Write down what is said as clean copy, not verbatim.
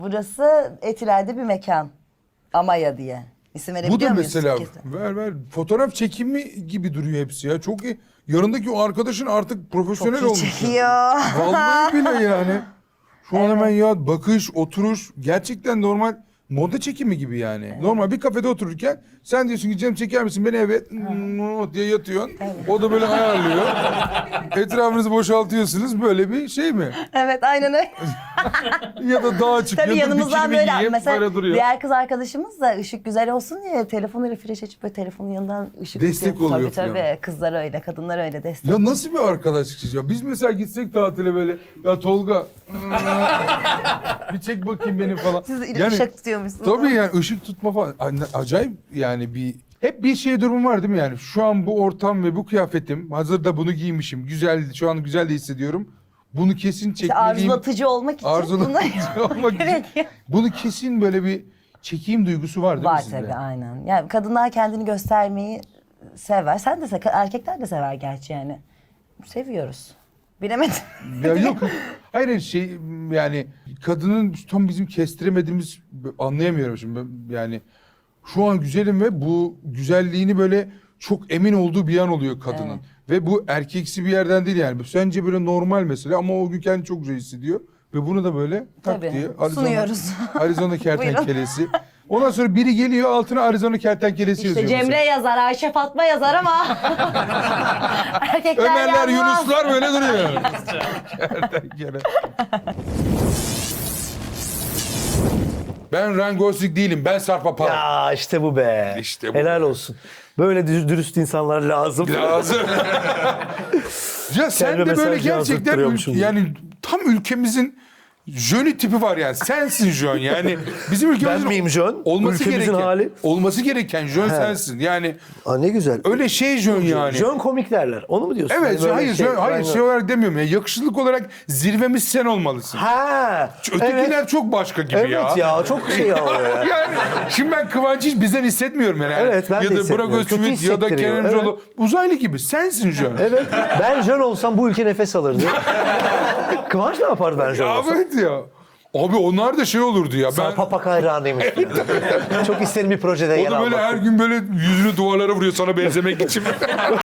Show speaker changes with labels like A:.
A: Burası Etiler'de bir mekan. Amaya diye. İsim
B: Bu
A: verebiliyor
B: da
A: muyuz?
B: mesela
A: Kesin.
B: ver fotoğraf çekimi gibi duruyor hepsi ya. Çok iyi. Yanındaki o arkadaşın artık profesyonel
A: Çok iyi
B: olmuş.
A: çekiyor.
B: Vallahi bile yani. Şu an hemen ya bakış, oturuş gerçekten normal moda çekimi gibi yani.
A: Evet.
B: Normal bir kafede otururken sen diyorsun ki Cem çeker misin beni, evet diye yatıyorsun. O da böyle ayarlıyor. Etrafınızı boşaltıyorsunuz, böyle bir şey mi?
A: Evet, aynen öyle.
B: Ya da dağa çıkıyor.
A: Tabii yanımızdan
B: bikinimi
A: böyle
B: giyip
A: mesela
B: böyle duruyor.
A: diğer kız arkadaşımız da ışık güzel olsun diye telefonuyla flash açıp böyle telefonun yanından ışık
B: Destek
A: tutuyor.
B: oluyor
A: Tabii
B: falan.
A: kızlar öyle, kadınlar öyle destek.
B: Ya nasıl bir arkadaşlık ya? Biz mesela gitsek tatile böyle, ya Tolga bir çek bakayım beni falan.
A: Siz
B: Yani
A: ışık tutuyormuşsunuz.
B: tabii yani ışık tutma falan. Acayip yani hep bir şey durumu var değil mi yani? Şu an bu ortam ve bu kıyafetim, hazırda bunu giymişim. Güzel, şu an güzel de hissediyorum. Bunu kesin
A: İşte
B: çekmeliyim.
A: arzulatıcı olmak için
B: Arzulatıcı olmak için.
A: gerekiyor.
B: Bunu kesin böyle bir çekeyim duygusu var değil
A: Var
B: mi sizde?
A: tabii, aynen. Yani kadınlar kendini göstermeyi sever. Sen de erkekler de sever gerçi yani. Seviyoruz. Bilemedim.
B: Ya yok. Hayır şey yani kadının tam bizim kestiremediğimiz, anlayamıyorum şimdi yani şu an güzelim ve bu güzelliğini böyle çok emin olduğu bir an oluyor kadının.
A: Evet.
B: Ve bu erkeksi bir yerden değil yani. Sence böyle normal mesela ama o gün kendini çok güzel hissediyor. Ve bunu da böyle tak
A: Tabii,
B: diye
A: sunuyoruz.
B: Arizona kertenkelesi. Ondan sonra biri geliyor altına Arizona kertenkelesi
A: İşte
B: yazıyor.
A: Cemre
B: mesela.
A: yazar, Ayşe Fatma yazar ama erkekler
B: Ömerler,
A: yazmaz.
B: Yunuslar böyle duruyor. Kertenkele. Ben Ryan Gosling değilim. Ben Sarp Apar.
C: Ya işte bu be.
B: İşte bu
C: Helal
B: be.
C: olsun. Böyle dürüst insanlar lazım.
B: Lazım. Ya sen
C: Kendime
B: de böyle
C: mesaj
B: gerçekten
C: yazdırtıyormuşum.
B: yani tam ülkemizin Jönü tipi var yani. Sensin Jön yani. Bizim ülkemizin
C: Ben miyim Jön?
B: olması
C: Ülkemizin
B: gereken,
C: hali.
B: olması gereken Jön sensin. Yani
C: Aa, ne güzel.
B: öyle şey Jön yani.
C: Jön komik derler. Onu mu diyorsun?
B: Evet,
C: Yani böyle
B: hayır, hayır şey olarak demiyorum ya. Yakışıklık olarak zirvemiz sen olmalısın.
C: Ha.
B: Ötekiler
C: Evet.
B: çok başka gibi ya.
C: Evet ya çok şey oluyor ya.
B: Yani şimdi ben Kıvanç'ı hiç bizden hissetmiyorum yani.
C: Evet, ben de
B: ya da Burak
C: hissetmiyorum. Kötü
B: Özçivit ya da
C: hissettiriyor,
B: Kerem İmamoğlu. Uzaylı gibi. Sensin Jön.
C: Evet. Ben Jön olsam bu ülke nefes alırdı. Kıvanç ne yapardı ben Jön olsam?
B: Evet ya. Abi onlar da şey olurdu ya. Ben
C: Sarp Apak hayranıymış. Çok isterim bir projede
B: o
C: yer
B: da böyle
C: almak.
B: her gün böyle yüzünü duvarlara vuruyor sana benzemek için.